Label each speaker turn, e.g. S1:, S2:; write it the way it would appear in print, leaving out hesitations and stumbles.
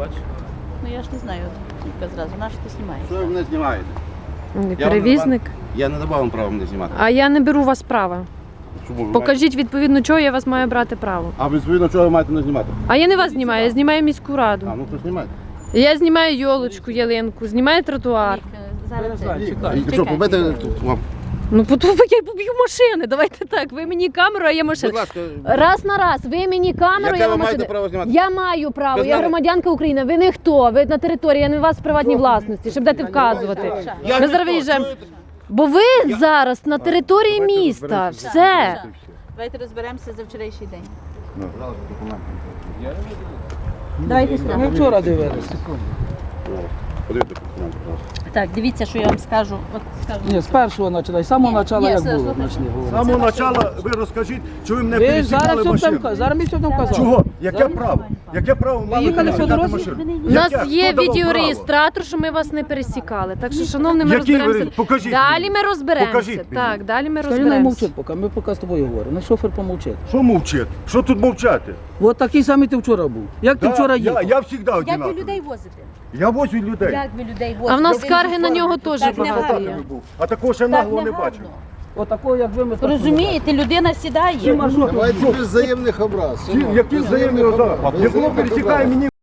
S1: бачиш?
S2: Ну я ж не знаю, тільки зразу, на що ти знімаєш?
S3: Що ви мене знімаєте?
S4: Перевізник.
S3: Я не давав вам права мене знімати.
S4: А я не беру вас права.
S3: Чому ви
S4: Покажіть відповідно, чого я вас маю брати право.
S3: маєте? А відповідно, чого ви маєте мене знімати?
S4: А я не вас знімаю, я знімаю міську раду.
S3: А, ну то знімайте.
S4: Я знімаю йолочку, ялинку, знімаю тротуар.
S2: Зараз це.
S1: Чекай.
S3: І що, побити тут вам?
S4: Ну, я поб'ю машини, давайте так. Ви мені камеру, а я машину.
S3: Будь ласка.
S4: Раз на раз, ви мені камеру,
S3: Яке
S4: я
S3: ви
S4: вам
S3: маєте
S4: машину.
S3: право знімати?
S4: Я маю право,
S3: Без
S4: я
S3: мене?
S4: громадянка України, ви не хто, ви на території, я не у вас в приватній власності, щоб дати вказувати. Ми зараз виїжджаємо. Бо ви зараз на території міста, все.
S2: Давайте розберемося за вчорашній день.
S3: Ну.
S2: Давайте сюди.
S1: Ми вчора дивилися.
S3: Подивіться документи, будь ласка.
S2: Так, дивіться, що я вам скажу. От скажу.
S1: Ні, з першого починай, з самого початку як
S2: все,
S1: було.
S2: слухайте.
S1: почни
S5: З
S1: говорити.
S5: самого початку ви розкажіть, що ви мене
S1: Ви
S5: пересікали
S1: зараз все
S5: машину.
S1: там, зараз ми все там казали.
S5: Чого? Яке
S1: Зараз-
S5: право? Яке право мали
S1: їхали по
S5: пересікати
S1: дорозі?
S5: машину?
S4: У нас
S5: Яке?
S4: є
S5: Хто давав
S4: відеореєстратор, що ми вас не пересікали. Так що, шановні, ми
S5: Який
S4: розберемося.
S5: ви- покажіть
S4: Далі
S5: мені.
S4: ми розберемося.
S5: Покажіть мені.
S4: Так, далі ми
S1: Скажи, не
S4: розберемося.
S1: мовчить поки, ми поки з тобою говоримо. Ну шофер помовчить.
S5: Що мовчить? Що тут мовчати?
S1: От такий самий ти вчора був. Як ти вчора їхав?
S5: Я завжди
S2: Як ви
S5: одинаковий.
S2: людей возите?
S5: Я возю людей.
S2: Як ви людей возите?
S4: А в нас
S2: Ви
S4: скарги на нього
S2: так
S4: теж
S2: не
S4: багато
S2: гарно.
S4: є.
S5: А такого ще
S2: Так
S5: нагло не
S2: не
S5: бачив.
S2: гарно.
S1: От такого, як ви, ми так не
S2: Розумієте, людина
S1: бачимо.
S2: сідає.
S1: Всі маршрути.
S5: Які взаємні образи? Не було пересікає мені